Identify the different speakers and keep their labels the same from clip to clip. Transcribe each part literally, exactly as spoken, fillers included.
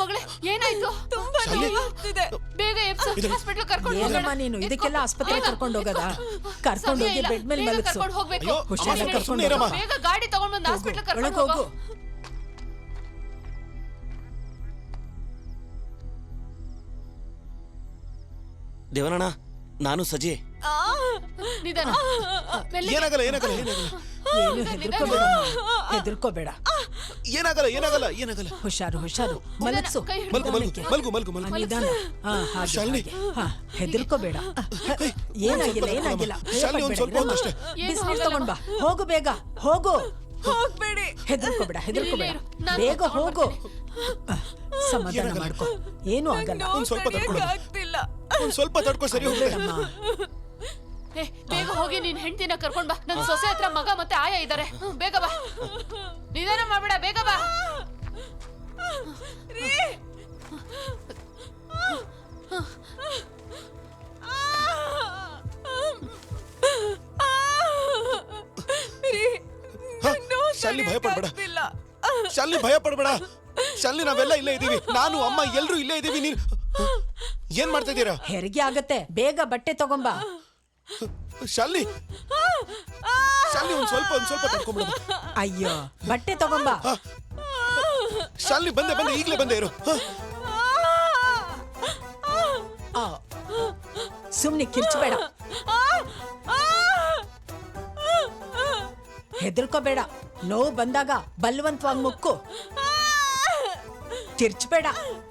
Speaker 1: ಮಗಳೇ ಏನಾಯ್ತು?
Speaker 2: ತುಂಬಾ ನೋವಾಗ್ತಿದೆ.
Speaker 1: ಬೇಗ ಎಪ್ಸು ಹಾಸ್ಪಿಟಲ್ ಕರ್ಕೊಂಡು ಹೋಗೋಣ.
Speaker 3: ಏನಮ್ಮ ನೀನು ಇದಕ್ಕೆಲ್ಲ ಆಸ್ಪತ್ರೆ ಕರ್ಕೊಂಡು ಹೋಗದ? ಕರ್ಕೊಂಡು ಹೋಗಿ ಬೆಡ್ ಮೇಲೆ ಮಲಗಿಸು.
Speaker 1: ಕರ್ಕೊಂಡು ಹೋಗ್ಬೇಕು.
Speaker 3: ಹುಷಾರಾಗಿ ಕರ್ಕೊಂಡು ಹೋಗಮ್ಮ.
Speaker 1: ಬೇಗ ಗಾಡಿ ತಗೊಂಡು ಬಂದು ಹಾಸ್ಪಿಟಲ್ ಕರ್ಕೊಂಡು ಹೋಗು.
Speaker 4: ದೇವನಣ್ಣ, ನಾನು ಸಜೆ.
Speaker 1: ನಿಧಾನ.
Speaker 4: ಏನಾಗಲ್ಲ ಏನಾಗಲ್ಲ ಏನಾಗಲ್ಲ.
Speaker 3: ಏನು ಹೆದರ್ಕೋಬೇಡ, ಹೆದರ್ಕೋಬೇಡ.
Speaker 4: ಏನಾಗಲ್ಲ ಏನಾಗಲ್ಲ ಏನಾಗಲ್ಲ.
Speaker 3: ಹುಷಾರು ಹುಷಾರು. ಮಲಗಿಸು.
Speaker 4: ಮಲ್ಗು ಮಲ್ಗು ಮಲ್ಗು ಮಲ್ಗು ಮಲ್ಗು.
Speaker 3: ನಿಧಾನ. ಹಾ ಹಾಗೆ
Speaker 4: ಶಾಲಿನಿ.
Speaker 3: ಹಾ ಹೆದರ್ಕೋಬೇಡ. ಏನಾಗಿಲ್ಲ ಏನಾಗಿಲ್ಲ.
Speaker 4: ಶಾಲಿನಿ ಒಂದ್ ಸ್ವಲ್ಪ ಹೊತ್ತಷ್ಟೇ.
Speaker 3: ಬಿಸಿನೀರು ತಗೊಂಡ್ ಬಾ. ಹೋಗು ಬೇಗ ಹೋಗು.
Speaker 2: ಹೋಗ್ಬೇಡಿ.
Speaker 3: ಹೆದರ್ಕೋಬೇಡ ಹೆದರ್ಕೋಬೇಡ. ಬೇಗ ಹೋಗು. ಸಮಾಧಾನ ಮಾಡ್ಕೊ. ಏನು ಆಗಲ್ಲ.
Speaker 4: ಒಂದ್ ಸ್ವಲ್ಪ ತಡ್ಕೊಳ್ಳಿ.
Speaker 2: ಆಗ್ತಿಲ್ಲ.
Speaker 4: ಒಂದ್ ಸ್ವಲ್ಪ ತಡ್ಕೊ, ಸರಿ ಹೋಗ್ಬೇಡಮ್ಮ.
Speaker 1: ಏ ಬೇಗ ಹೋಗಿ ನಿನ್ ಹೆಂಡತಿನ ಕರ್ಕೊಂಡ್ ಬಾ. ನನ್ ಸೊಸೆ ಹತ್ರ ಮಗ ಮತ್ತೆ ಆಯ ಇದಾರೆ. ಬೇಗ ಬಾ. ನಿಧಾನ ಮಾಡ್ಬೇಡ, ಬೇಗ ಬಾ.
Speaker 4: ಶಾಲಿನಿ ಭಯ ಪಡ್ಬೇಡ. ಶಾಲಿನಿ ಭಯ ಪಡ್ಬೇಡ. ಶಾಲಿನಿ ನಾವೆಲ್ಲ ಇಲ್ಲೇ ಇದೀವಿ. ನಾನು ಅಮ್ಮ ಎಲ್ರು ಇಲ್ಲೇ ಇದೀವಿ. ನೀನ್ ಏನ್ ಮಾಡ್ತಾ ಇದ್ದೀರಾ?
Speaker 3: ಹೆರಿಗೆ ಆಗತ್ತೆ. ಬೇಗ ಬಟ್ಟೆ ತಗೊಂಬಾ.
Speaker 4: ಶಾಲಿನಿ ಶಾಲಿನಿ ಒಂದ್ ಸ್ವಲ್ಪ ಒಂದ್ ಸ್ವಲ್ಪ ತಡ್ಕೊಂಡ್ಬಿಡ.
Speaker 3: ಅಯ್ಯೋ ಬಟ್ಟೆ ತಗೊಂಬಾ.
Speaker 4: ಶಾಲಿನಿ ಬಂದೆ ಬಂದೆ ಈಗ್ಲೇ ಬಂದೆ ಇರು.
Speaker 3: ಸುಮ್ನೆ ಕಿರ್ಚಬೇಡ, ಹೆದರ್ಕೋಬೇಡ. ನೋವು ಬಂದಾಗ ಬಲವಂತವಾಗಿ ಮುಕ್ಕು. ಕಿರ್ಚಬೇಡ.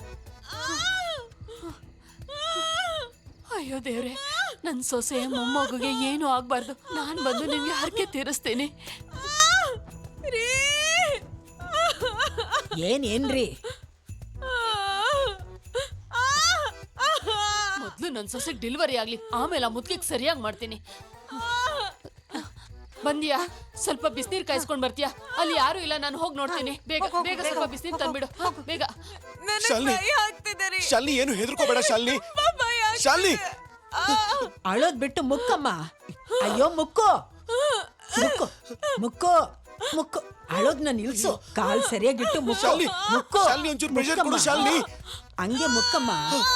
Speaker 1: ಅಯ್ಯೋ ದೇವ್ರೆ, ನನ್ ಸೊಸೆ ಮೊಮ್ಮಗುಗೆ ಏನು ಆಗ್ಬಾರ್ದು. ನಾನ್ ಬಂದು ನಿಮ್ಗೆ ಹರಕೆ ತೀರಿಸ್ತೇನೆ.
Speaker 3: ಏನ್ ಏನ್ರಿ?
Speaker 1: ಮೊದ್ಲು ನನ್ ಸೊಸೆಗೆ ಡೆಲಿವರಿ ಆಗ್ಲಿ, ಆಮೇಲೆ ಆ ಮುದ್ಕಿಗೆ ಸರಿಯಾಗಿ ಮಾಡ್ತೀನಿ. ಬಂದಿಯಾ? ಸ್ವಲ್ಪ ಬಿಸಿನೀರ್ ಕಾಯಿಸ್ಕೊಂಡ್ ಬರ್ತೀಯಾ? ಅಲ್ಲಿ ಯಾರು ಇಲ್ಲ, ನಾನು ಹೋಗಿ ನೋಡ್ತೀನಿ. ಬೇಗ ಬೇಗ ಸ್ವಲ್ಪ ಬಿಸಿನೀರ್ ತಂದ್ಬಿಡು ಬೇಗ.
Speaker 4: ಶಾಲಿನಿ ಏನು ಹೆದರ್ಕೋಬೇಡ. ಶಾಲಿನಿ ಶಾಲಿನಿ
Speaker 3: ಅಳೋದ್ ಬಿಟ್ಟು ಮುಕ್ಕಮ್ಮ. ಅಯ್ಯೋ ಮುಕ್ಕು ಮುಕ್ಕು ಮುಕ್ಕು ಮುಕ್ಕು. ಅಳೋದ್ನ ನಿಲ್ಸು. ಕಾಲ್ ಸರಿಯಾಗಿಟ್ಟು ಮುಕ್ಕು ಮುಕ್ಕು.
Speaker 4: ಒಂಚೂರು ಪ್ರೆಷರ್ ಕೊಡು ಶಾಲಿನಿ.
Speaker 3: ಹಂಗೆ ಮುಕ್ಕಮ್ಮ.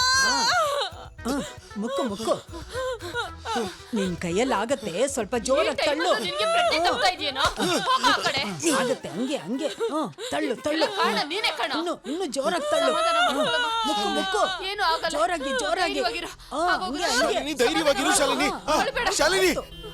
Speaker 3: ಮುಕ್ಕು ಮುಕ್ಕು. ನಿನ್ ಕೈಯಲ್ಲಿ ಆಗತ್ತೆ. ಸ್ವಲ್ಪ ಜೋರಾಗಿ ತಳ್ಳು. ಆಗತ್ತೆ ಹಂಗೆ ಹಂಗೆ. ತಳ್ಳು ತಳ್ಳು. ಇನ್ನು ಇನ್ನು ಜೋರಾಗಿ ತಳ್ಳು. ಮುಕ್ಕು ಮುಕ್ಕು. ಜೋರಾಗಿ ಜೋರಾಗಿ.
Speaker 4: ಧೈರ್ಯವಾಗಿರು ಶಾಲಿನಿ. ಶಾಲಿನಿ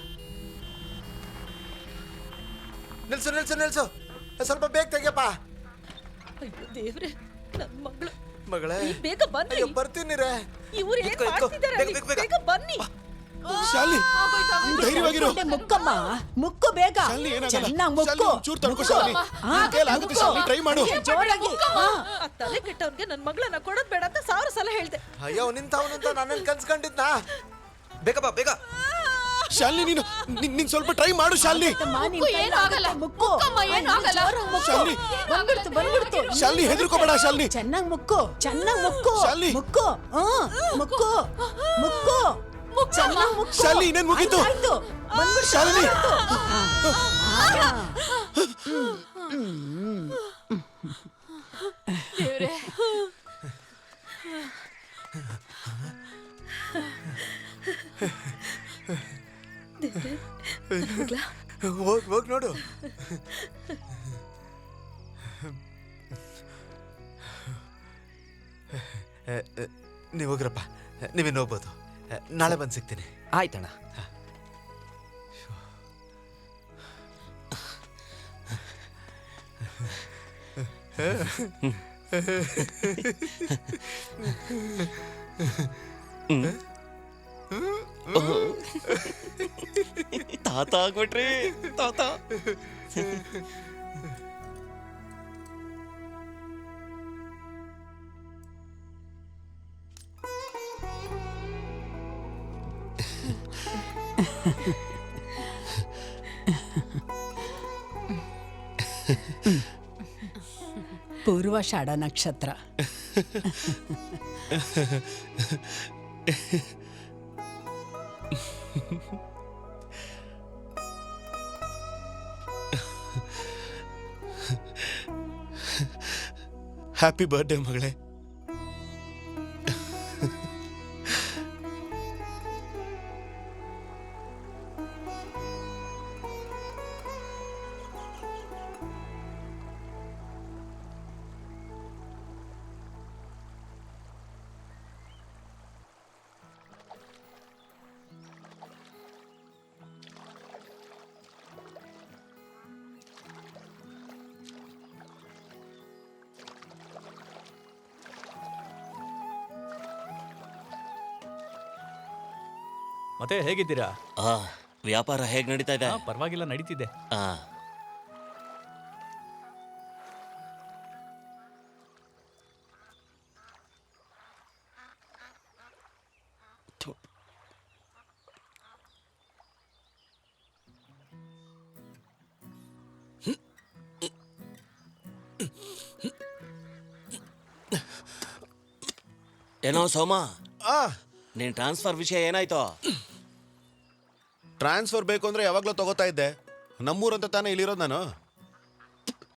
Speaker 5: ನಿಲ್ಸು ನಿಲ್ಸು ನಿಲ್ಸು. ಸ್ವಲ್ಪ ಬೇಗ ತೆಗಿಯಪ್ಪ.
Speaker 2: ಅಯ್ಯೋ ದೇವ್ರೆ, ನನ್ ಮಗಳು.
Speaker 5: ಮಗಳೇ
Speaker 2: ಬೇಗ ಬನ್ನಿ.
Speaker 5: ಬರ್ತೀನಿ ರೇ.
Speaker 2: ಇವ್ರು ಏನ್ ಮಾಡ್ತಿದ್ದಾರೆ? ಬೇಗ ಬನ್ನಿ.
Speaker 4: ಶಾಲಿನಿ ಧೈರ್ಯವಾಗಿರು.
Speaker 3: ಮುಕ್ಕಮ್ಮ ಮುಕ್ಕು ಬೇಗ. ಚೆನ್ನಾಗಿ ಮುಕ್ಕು.
Speaker 4: ಚೂರು ತಡ್ಕೋ ಶಾಲಿನಿ. ಆಗುತ್ತೆ ಶಾಲಿನಿ, ಟ್ರೈ ಮಾಡು.
Speaker 3: ಜೋರಾಗಿ.
Speaker 2: ಆ ತಲೆ ಕೆಟ್ಟವನ್ಗೆ ನನ್ ಮಗಳನ್ನ ಕೊಡೋದ್ ಬೇಡ ಅಂತ ಸಾವಿರ ಸಲ ಹೇಳ್ದೆ.
Speaker 5: ಅಯ್ಯೋ ನಿಂತವನಂತ ನಾನೇನ್ ಕನ್ಸ್ಕೊಂಡಿದ್ನಾ? ಬೇಗ ಬಾ ಬೇಗ.
Speaker 4: ಶಾಲಿನಿ ನೀನು ನೀನ್ ಸ್ವಲ್ಪ ಟ್ರೈ ಮಾಡು ಶಾಲಿನಿ.
Speaker 3: ಮುಕ್ಕು.
Speaker 4: ಶಾಲಿನಿ
Speaker 3: ಬಂದ್ಬಿಡ್ತು ಬಂದ್ಬಿಡ್ತು.
Speaker 4: ಶಾಲಿನಿ ಹೆದರ್ಕೋಬೇಡ ಶಾಲಿನಿ.
Speaker 3: ಚೆನ್ನಾಗಿ ಮುಕ್ಕು. ಚೆನ್ನಾಗಿ ಮುಕ್ಕು.
Speaker 4: ಶಾಲಿನಿ
Speaker 3: ಮುಕ್ಕು. ಮುಕ್ಕು ಮುಕ್ಕು. ಚೆನ್ನಾಗಿ ಮುಕ್ಕು.
Speaker 4: ಶಾಲಿನಿ ಇನ್ನೇನ್ ಮುಗೀತು. ಶಾಲಿನಿ
Speaker 1: ದೇವ್ರೆ,
Speaker 5: ಹೋಗ್ ಹೋಗ್ ನೋಡು. ನೀವು ಹೋಗ್ರಪ್ಪ, ನೀವೇನು ಹೋಗ್ಬೋದು. ನಾಳೆ ಬಂದು ಸಿಗ್ತೀನಿ.
Speaker 4: ಆಯ್ತಣ್ಣ. ತಾತ ಆಗ್ಬಿಟ್ರಿ ತಾತ.
Speaker 3: ಪೂರ್ವಾಷಾಢ ನಕ್ಷತ್ರ.
Speaker 4: ಹ್ಯಾಪಿ ಬರ್ಡೇ ಮಗಳೇ.
Speaker 6: ಮತ್ತೆ ಹೇಗಿದ್ದೀರಾ?
Speaker 7: ಆ ವ್ಯಾಪಾರ ಹೇಗ್ ನಡೀತಾ ಇದೆ?
Speaker 6: ಆ, ಪರವಾಗಿಲ್ಲ, ನಡೀತಿದೆ.
Speaker 7: ಆ ಥು. ಏನೋ ಸೋಮ,
Speaker 4: ಆ
Speaker 7: ನಿನ್ ಟ್ರಾನ್ಸ್ಫರ್ ವಿಷಯ ಏನಾಯ್ತು?
Speaker 4: ಟ್ರಾನ್ಸ್ಫರ್ ಬೇಕು ಅಂದ್ರೆ ಯಾವಾಗ್ಲೂ ತಗೋತಾ ಇದ್ದೆ. ನಮ್ಮೂರಂತ ತಾನೇ ಇಲ್ಲಿರೋದು ನಾನು.